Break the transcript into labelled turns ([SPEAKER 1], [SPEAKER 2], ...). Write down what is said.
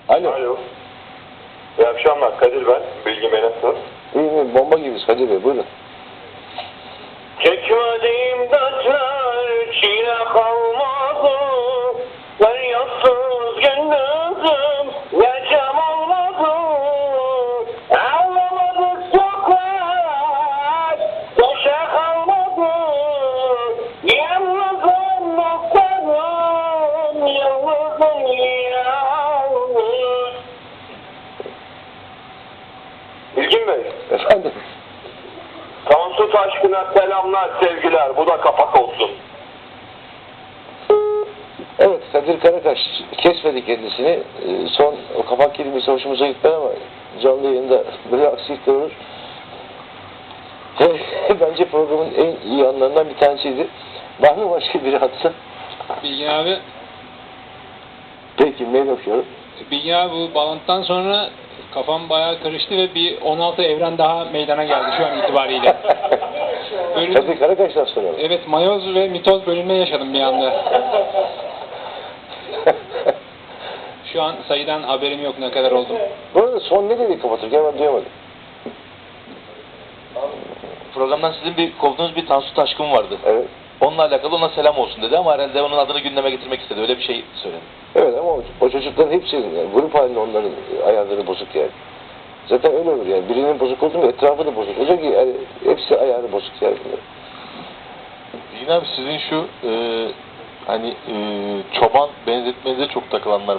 [SPEAKER 1] Alo.
[SPEAKER 2] Alo. İyi akşamlar. Kadir ben. Bilgi Bey nasılsınız?
[SPEAKER 1] İyi, bomba gibiyiz Kadir Bey, buyurun.
[SPEAKER 2] Çekmediğim dertler çile kalmadı. Feryatsız gündüzüm gecem olmadı. Ağlamadık sokak boşa kalmadı. Yalnızım noktadım, yalnızım yalnız. Bilgin Bey.
[SPEAKER 1] Efendim?
[SPEAKER 2] Tansu Taşkın'a selamlar, sevgiler. Bu da kapak olsun.
[SPEAKER 1] Evet, Kadir Karakaş kesmedi kendisini. Son o kapak kelimesi hoşumuza gitmedi ama canlı yayında böyle aksilikler olur. Bence programın en iyi anlarından bir tanesiydi. Var mı başka biri hatta?
[SPEAKER 3] Bilgi abi,
[SPEAKER 1] Peki, mail okuyorum.
[SPEAKER 3] Bilgi abi bu bağlantıdan sonra kafam bayağı karıştı ve bir 16 evren daha meydana geldi şu an itibariyle.
[SPEAKER 1] Kadir Karakaş'tan soralım.
[SPEAKER 3] Evet, mayoz ve mitoz bölünme yaşadım bir anda. Şu an sayıdan haberim yok ne kadar oldu.
[SPEAKER 1] Bu arada son ne dedi kapatırken ben duyamadım.
[SPEAKER 4] Programdan sizin bir kovduğunuz bir Tansu Taşkın vardı.
[SPEAKER 1] Evet.
[SPEAKER 4] Onunla alakalı ona selam olsun dedi ama herhalde onun adını gündeme getirmek istedi. Öyle bir şey söyledi.
[SPEAKER 1] Evet ama o çocukların hepsinin yani grup halinde onların ayarları bozuk yani. Zaten öyle olur yani. Birinin bozuk oldu mu etrafı da bozuk olacak ki yani hepsi ayarı bozuk yani bunlar.
[SPEAKER 4] Yine abi sizin şu hani çoban benzetmenize çok takılanlar